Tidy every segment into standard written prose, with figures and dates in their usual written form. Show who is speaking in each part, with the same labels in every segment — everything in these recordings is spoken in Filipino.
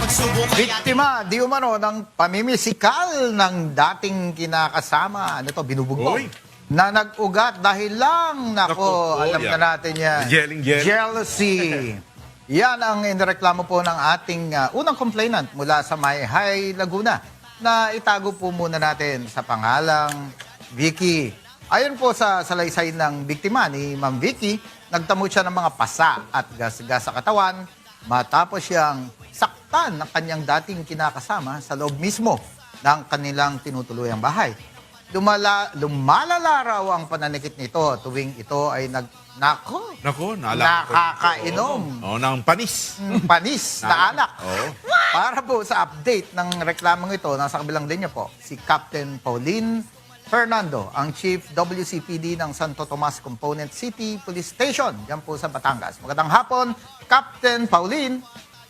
Speaker 1: Biktima, di umano, ng pamimisikal ng dating kinakasama. Ano to, binubugbog.
Speaker 2: Oy.
Speaker 1: Na nag-ugat dahil lang, nako, alam
Speaker 2: yan.
Speaker 1: na natin yan.
Speaker 2: Jelling.
Speaker 1: Jealousy. Yan ang inireklamo po ng ating unang complainant mula sa Mayhay, Laguna, na itago po muna natin sa pangalang Vicky. Ayon po sa salaysay ng biktima ni Ma'am Vicky, nagtamo siya ng mga pasa at gas-gas sa katawan matapos siyang saktan ng kanyang dating kinakasama sa loob mismo ng kanilang tinutuluyang bahay. Lumalala raw ang pananikit nito tuwing ito ay
Speaker 2: Nako,
Speaker 1: nakakainom.
Speaker 2: Ng panis.
Speaker 1: Panis na alak.
Speaker 2: Oo.
Speaker 1: Para po sa update ng reklamong ito, nasa kabilang linya po, si Captain Pauline Fernando, ang Chief WCPD ng Santo Tomas Component City Police Station, dyan po sa Batangas. Magandang hapon, Captain Pauline.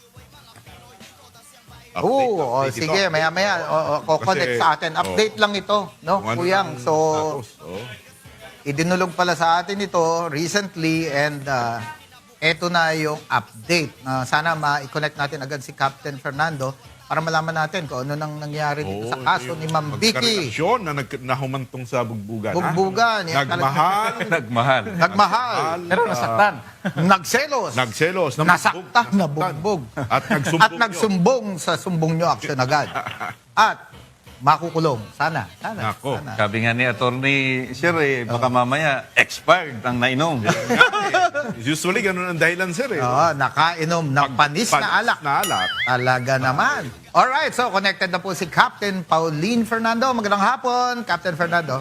Speaker 2: Update
Speaker 1: sige,
Speaker 2: ito.
Speaker 1: maya-maya, connect
Speaker 2: Kasi,
Speaker 1: sa atin. Update lang ito, no,
Speaker 2: Kung ano
Speaker 1: Kuyang.
Speaker 2: ang
Speaker 1: So,
Speaker 2: status,
Speaker 1: idinulog pala sa atin ito recently and eto na yung update. Sana ma-connect natin agad si Captain Fernando para malaman natin kung ano nang nangyari dito sa kaso ni Ma'am Vicky.
Speaker 2: Magkarelasyon na nahumantong sa bugbugan.
Speaker 1: Bugbugan. Yan,
Speaker 2: Nagmahal.
Speaker 1: Nagmahal.
Speaker 3: Pero nasaktan.
Speaker 1: Nagselos.
Speaker 2: Nagselos.
Speaker 1: Nasaktan. Nabugbog.
Speaker 2: At
Speaker 1: At nagsumbong sa sumbong nyo action agad. At makukulong. Sana.
Speaker 2: Nako.
Speaker 1: Sana.
Speaker 3: Sabi nga ni Attorney Sir, baka mamaya expired ang nainom.
Speaker 2: Usually, ganun ang dahilan, sir.
Speaker 1: Nakainom ng panis na alak.
Speaker 2: Na alak.
Speaker 1: Talaga naman. Alright, so connected na po si Captain Pauline Fernando. Magandang hapon, Captain Fernando.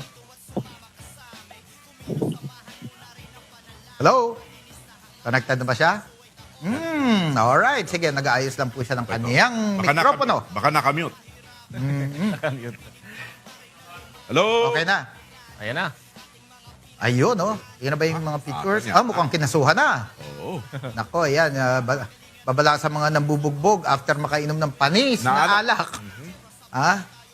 Speaker 1: Hello? Connected na ba siya? Alright, sige, nag-aayos lang po siya ng kanyang mikropono.
Speaker 2: Baka nakamute. Hello?
Speaker 1: Okay na.
Speaker 4: Ayan na.
Speaker 1: Ayun, oh. Yun na ba yung mga pictures?
Speaker 2: kanya.
Speaker 1: Mukhang kinasuhan na.
Speaker 2: Oo.
Speaker 1: Nako, ayan. Babala sa mga nambubugbog after makainom ng panis
Speaker 2: Na
Speaker 1: na
Speaker 2: alak.
Speaker 1: alak. Ha?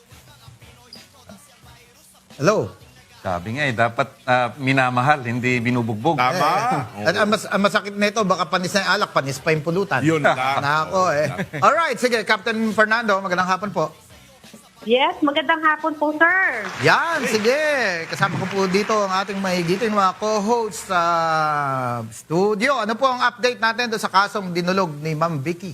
Speaker 1: Hello?
Speaker 3: Sabi nga dapat minamahal, hindi binubugbog.
Speaker 2: Tama.
Speaker 1: At ang masakit nito, baka panis na yung alak, panis pa yung pulutan.
Speaker 2: Yun lang.
Speaker 1: Nako, Alright, sige, Captain Fernando, magandang hapon po.
Speaker 5: Yes, magandang hapon po, sir.
Speaker 1: Yan, sige. Kasama ko po dito ang ating mahigiting mga co-hosts sa studio. Ano po ang update natin doon sa kasong dinulog ni Ma'am Vicky?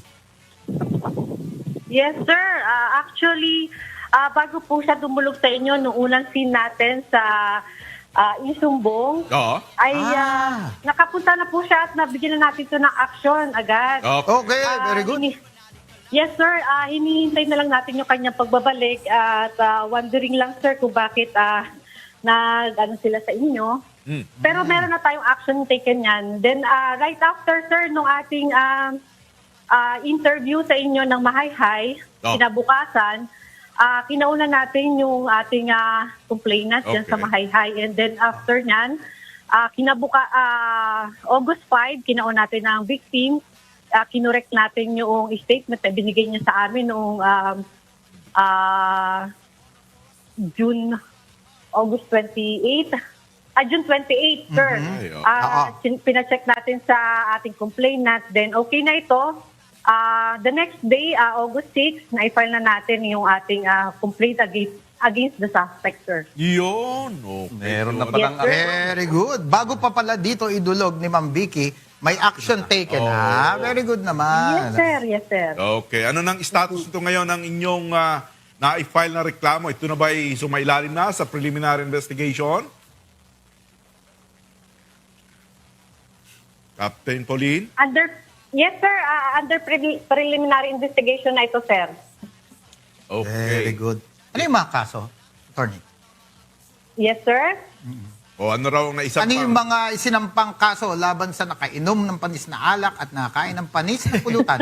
Speaker 5: Yes, sir. Actually, bago po siya dumulog sa inyo, nung unang scene natin sa Isumbong,
Speaker 2: Oo.
Speaker 5: ay nakapunta na po siya at nabigyan na natin ito ng action agad.
Speaker 1: Okay, very good.
Speaker 5: Yes, sir. Hinihintay na lang natin yung kanyang pagbabalik at wondering lang, sir, kung bakit nag-ano sila sa inyo. Pero meron na tayong action taken yan. Then, right after, sir, nung ating interview sa inyo ng Mahayhay, kinabukasan, kinauna natin yung ating complainant dyan sa Mahayhay. And then, after nyan, August 5, kinauna natin ang victim. Kinorek natin yung statement na binigay niya sa amin noong August 28. June 28, sir. Pinacheck natin sa ating complainant. Then, okay na ito. The next day, August 6, na-file na natin yung ating complaint against the suspect, sir.
Speaker 2: Yun. Okay.
Speaker 3: Meron na
Speaker 2: Yun.
Speaker 3: palang
Speaker 5: Yes, sir.
Speaker 1: Very good. Bago pa pala dito idulog ni Ma'am Vicky, may action taken, ha? Very good naman.
Speaker 5: Yes, sir. Yes, sir.
Speaker 2: Okay. Ano nang status ito ngayon ng inyong na-file na reklamo? Ito na ba ay sumailalim na sa preliminary investigation? Captain Pauline?
Speaker 5: Yes, sir. Under preliminary investigation na ito, sir.
Speaker 1: Very
Speaker 2: Okay.
Speaker 1: good. Ano yung mga kaso, attorney?
Speaker 5: Yes, sir.
Speaker 2: O ano raw na isang
Speaker 1: Ano yung mga isinampang kaso laban sa nakainom ng panis na alak at nakakain ng panis na pulutan?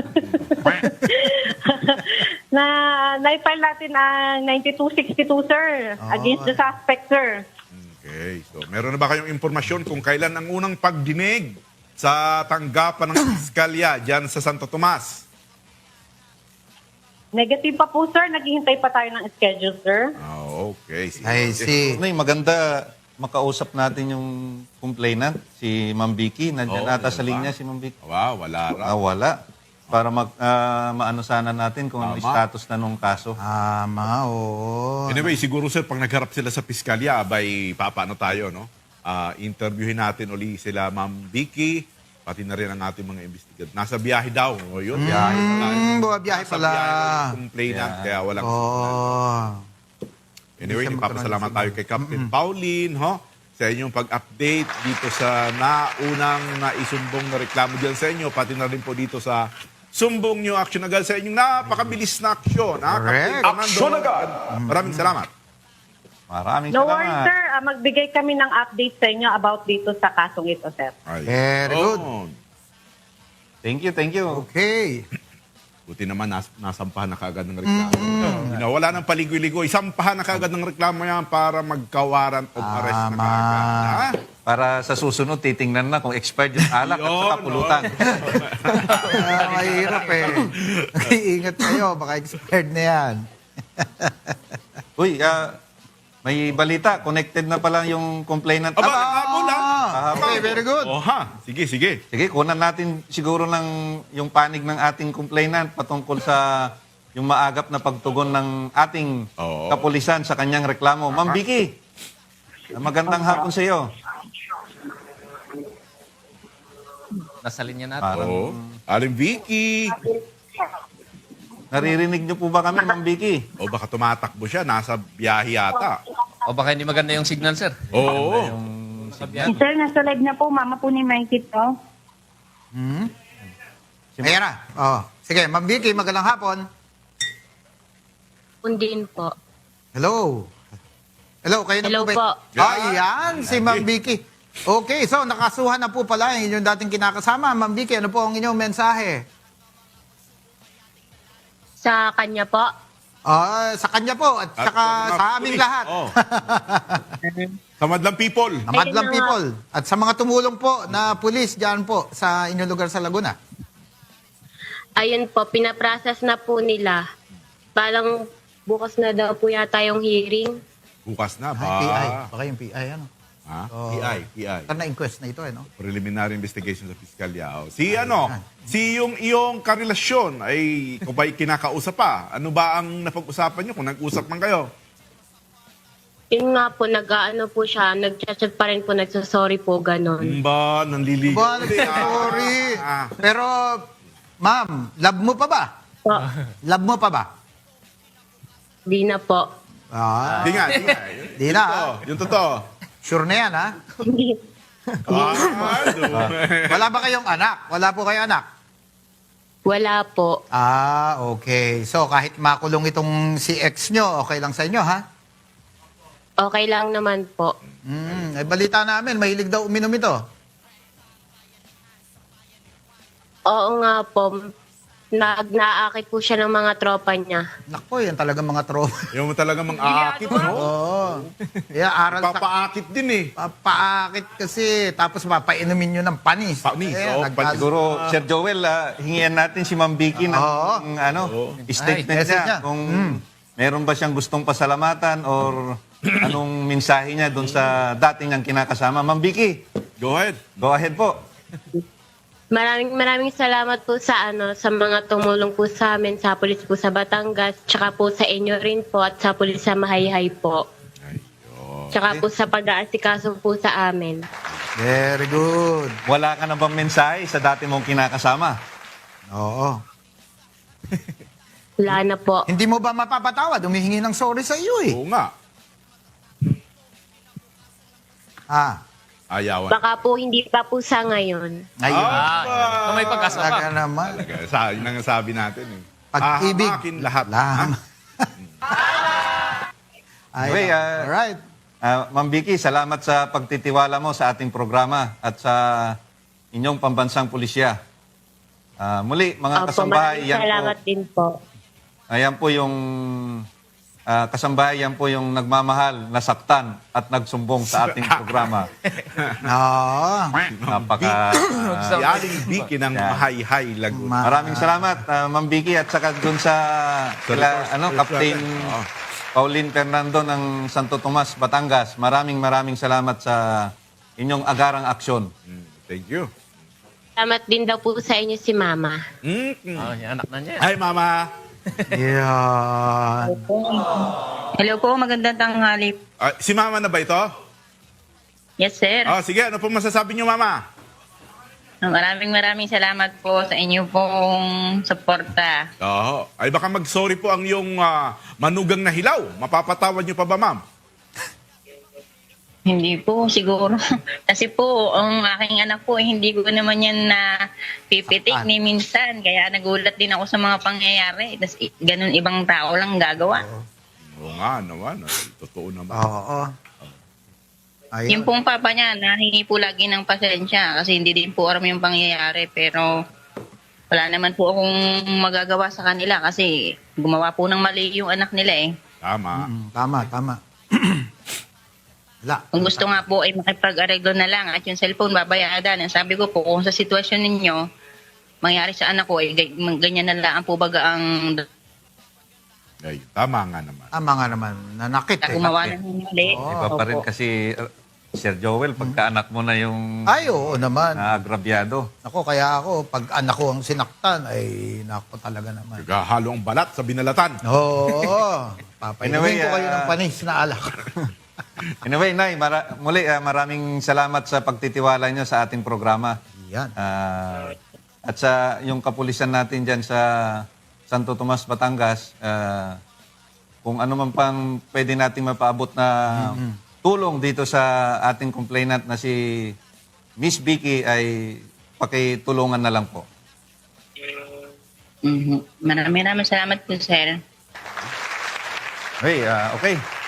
Speaker 5: Na-file natin ang 9262, sir, against the suspect, sir.
Speaker 2: Okay. So, meron na ba kayong impormasyon kung kailan ang unang pagdinig sa tanggapan ng piskalya dyan sa Santo Tomas?
Speaker 5: Negative pa po, sir. Naghihintay pa tayo ng schedule, sir.
Speaker 2: Okay.
Speaker 1: I see.
Speaker 3: Maganda makausap natin yung complainant, si Ma'am Vicky. Nandiyan
Speaker 2: Oo,
Speaker 3: ata sa
Speaker 2: meron
Speaker 3: linya
Speaker 2: ba?
Speaker 3: si Ma'am Vicky.
Speaker 2: Wow, wala raw.
Speaker 3: Wala. para maano sana natin kung ano status na nung kaso.
Speaker 1: Tama, oo.
Speaker 2: Anyway, siguro sir, pag nagharap sila sa piskalya, abay, papaano tayo, no? Interviewin natin uli sila Ma'am Vicky, pati na rin ang ating mga investigator. Nasa biyahe daw. O yun, biyahe pala.
Speaker 1: Buwabiyahe
Speaker 2: Nasa
Speaker 1: pala.
Speaker 2: biyahe ng complainant, kaya walang
Speaker 1: Oo.
Speaker 2: Anyway,
Speaker 1: Hindi siya
Speaker 2: ipapasalamat
Speaker 1: magkaroon
Speaker 2: tayo kay Captain Pauline, sa inyong pag-update dito sa naunang naisumbong na reklamo dyan sa inyo, pati na rin po dito sa Sumbong New Action agad sa inyong napakabilis na aksyon.
Speaker 1: Correct.
Speaker 2: Aksyon agad! Maraming salamat.
Speaker 3: Maraming
Speaker 5: No
Speaker 3: salamat.
Speaker 5: worries, sir. Magbigay kami ng update sa inyo about dito sa kasong ito, sir.
Speaker 2: Ay.
Speaker 1: Very good.
Speaker 3: Thank you, thank you.
Speaker 1: Okay.
Speaker 2: Buti naman nasampahan na kaagad ng reklamo. Wala nang paligoy-ligoy. Sampahan na kaagad ng reklamo yan para magka-warrant of arrest na kaagad. Ha?
Speaker 3: Para sa susunod, titingnan na kung expired yung alak at
Speaker 2: Yun,
Speaker 3: saka pulutan.
Speaker 1: Mahirap eh. Ingat kayo, baka expired na yan.
Speaker 3: Uy, may balita. Connected na pala yung complainant.
Speaker 2: Aba, hapon ha?
Speaker 1: Okay, very good.
Speaker 2: Oh, ha? Sige, sige.
Speaker 3: Sige, kunan natin siguro ng yung panig ng ating complainant patungkol sa yung maagap na pagtugon ng ating
Speaker 2: Oo.
Speaker 3: kapulisan sa kanyang reklamo. Ma'am Vicky, magandang hapon sa iyo.
Speaker 4: Nasa linya natin.
Speaker 3: Parang
Speaker 2: Oh. Aling Vicky.
Speaker 3: naririnig niyo po ba kami, Ma'am Vicky?
Speaker 2: O baka tumatakbo siya, nasa biyahe yata.
Speaker 4: O baka hindi maganda yung signal, sir.
Speaker 2: Oo.
Speaker 6: Sir, nasa live na po. Mama po ni Mikey to.
Speaker 1: Ayan na. Oh. Sige, Ma'am Vicky, magandang hapon.
Speaker 6: Undin po.
Speaker 1: Hello. Hello, kayo na
Speaker 6: Hello
Speaker 1: po ba?
Speaker 6: po.
Speaker 1: Ayan, si Ma'am Vicky. Okay, so nakasuhan na po pala yung inyong dating kinakasama. Ma'am Vicky, ano po ang inyong mensahe?
Speaker 6: Sa kanya po.
Speaker 1: Sa kanya po at saka sa aming lahat.
Speaker 2: Oh. Sa madlang people.
Speaker 1: Sa Madlang
Speaker 6: Ayun na
Speaker 1: people. At sa mga tumulong po na pulis dyan po sa inyong lugar sa Laguna.
Speaker 6: Ayun po, pinaprocess na po nila. Parang bukas na daw po yata yung hearing.
Speaker 2: Bukas na ba?
Speaker 1: PI. Baka yung PI, ano?
Speaker 2: Ha?
Speaker 1: Oh.
Speaker 2: PI.
Speaker 1: Saan na-inquest na ito, eh, no?
Speaker 2: Preliminary investigation sa piskalya. O, si yung iyong karelasyon ay kung ba'y kinakausap pa? Ano ba ang napag-usapan nyo kung nag-usap man kayo?
Speaker 6: Yun nga po, nag-ano po siya, nag-chat pa rin po, nagsasorry po, ganon.
Speaker 2: Ba, nanliligaw.
Speaker 1: Ba, sorry. Pero, ma'am, love mo pa ba?
Speaker 6: Po,
Speaker 1: Love mo pa ba?
Speaker 6: di na po.
Speaker 2: Di nga.
Speaker 1: Di na, ha?
Speaker 2: Yung totoo.
Speaker 1: Sure na yan, ha?
Speaker 6: Hindi.
Speaker 1: Wala ba kayong anak? Wala po kayo anak?
Speaker 6: Wala po.
Speaker 1: Okay. So, kahit makulong itong si ex nyo, okay lang sa inyo, ha?
Speaker 6: Okay lang naman po.
Speaker 1: Balita namin, mahilig daw uminom ito.
Speaker 6: Oo nga po, nag-naakit po siya ng mga tropa niya.
Speaker 1: Nako, yan talaga mga tropa.
Speaker 2: Yung talaga mang-aakit, no?
Speaker 1: Oo. Yeah, aral sa...
Speaker 2: Papaakit din eh.
Speaker 1: Papaakit kasi, tapos papainumin nyo ng panis.
Speaker 2: Panis, oo,
Speaker 1: nagkas-
Speaker 3: Siguro, Sir Joel, hingian natin si Ma'am Vicky ng statement
Speaker 1: Ay, message
Speaker 3: niya.
Speaker 1: niya.
Speaker 3: Kung meron ba siyang gustong pasalamatan or anong mensahe niya doon sa dating niyang kinakasama. Ma'am Vicky,
Speaker 2: Go ahead.
Speaker 3: go ahead po.
Speaker 6: Maraming salamat po sa sa mga tumulong po sa amin sa pulis po sa Batangas, tsaka po sa inyo rin po at sa pulis sa Mahayhay po. Tsaka po sa pag-aasikaso po sa amin.
Speaker 1: Very good.
Speaker 3: Wala ka na bang mensahe sa dati mong kinakasama?
Speaker 1: Oo.
Speaker 6: Wala na po.
Speaker 1: Hindi mo ba mapapatawad? Humihingi ng sorry sa iyo, eh.
Speaker 2: Oo nga. Ayawan.
Speaker 6: Baka po hindi pa po sa ngayon.
Speaker 1: Ayun.
Speaker 4: Kung may pag-asa pa.
Speaker 1: Talaga naman.
Speaker 2: Yun ang sabi natin eh.
Speaker 1: Pag-ibig.
Speaker 2: Hahamakin lahat.
Speaker 1: Lam.
Speaker 3: Okay,
Speaker 1: Alright.
Speaker 3: Ma'am Vicky, salamat sa pagtitiwala mo sa ating programa at sa inyong pambansang pulisya. Muli, mga
Speaker 6: Opo,
Speaker 3: kasambahay,
Speaker 6: maraming salamat din po.
Speaker 3: Ayan po yung kasambahay, yan po yung nagmamahal, nasaktan at nagsumbong sa ating programa.
Speaker 1: Oo.
Speaker 3: Napaka...
Speaker 2: Si Aling Vicky ng Mahayhay, Laguna.
Speaker 3: maraming salamat, Ma'am Vicky, at saka dun sa Captain Pauline Fernando ng Santo Tomas, Batangas. Maraming salamat sa inyong agarang aksyon.
Speaker 2: Thank you.
Speaker 6: Salamat din daw po sa inyo si Mama.
Speaker 4: Oh, yung anak na niya.
Speaker 2: Ay, mama.
Speaker 1: Yan.
Speaker 7: Hello po, magandang tanghali.
Speaker 2: Si mama na ba ito?
Speaker 7: Yes, sir.
Speaker 2: Sige, ano po masasabi niyo, mama?
Speaker 7: Maraming salamat po sa inyo pong suporta.
Speaker 2: Oo. Ay, baka mag-sorry po ang iyong manugang na hilaw. Mapapatawad niyo pa ba, ma'am?
Speaker 7: Hindi po, siguro. Kasi po, ang aking anak po, hindi ko naman yan na pipitik ni minsan. Kaya nagulat din ako sa mga pangyayari. Tapos ganun ibang tao lang gagawa.
Speaker 2: Oo nga naman. Totoo naman.
Speaker 1: Oo. Ayun.
Speaker 7: Yung pong papa niya, nahingi po lagi ng pasensya kasi hindi din po alam yung pangyayari. Pero wala naman po akong magagawa sa kanila kasi gumawa po ng mali yung anak nila eh.
Speaker 2: Tama.
Speaker 1: Tama. Wala.
Speaker 7: Kung gusto nga po ay makipag-areglo na lang at yung cellphone babayaran. Ang sabi ko po, kung sa sitwasyon ninyo, mangyari sa anak ko, ganyan na lang po baga ang
Speaker 2: Ay, tama nga naman.
Speaker 1: Tama nga naman. Nanakit eh.
Speaker 7: gumawa ng mali.
Speaker 3: Iba pa rin
Speaker 7: Opo.
Speaker 3: kasi, Sir Joel, pagka anak mo na yung
Speaker 1: Ay, oo naman.
Speaker 3: naagrabyado.
Speaker 1: Ako, kaya ako, pag anak ko ang sinaktan, ay nako talaga naman.
Speaker 2: Naghahalo ang balat sa binalatan.
Speaker 1: Oo. Papainumin
Speaker 3: Anyway,
Speaker 1: ko kayo ng panis na alak.
Speaker 3: Anyway, Nay, muli maraming salamat sa pagtitiwala niyo sa ating programa.
Speaker 1: Yan.
Speaker 3: At sa yung kapulisan natin dyan sa Santo Tomas, Batangas, kung ano man pang pwede nating mapaabot na tulong dito sa ating complainant na si Miss Vicky ay pakitulungan na lang po.
Speaker 7: Maraming salamat po, sir.
Speaker 3: Okay, okay.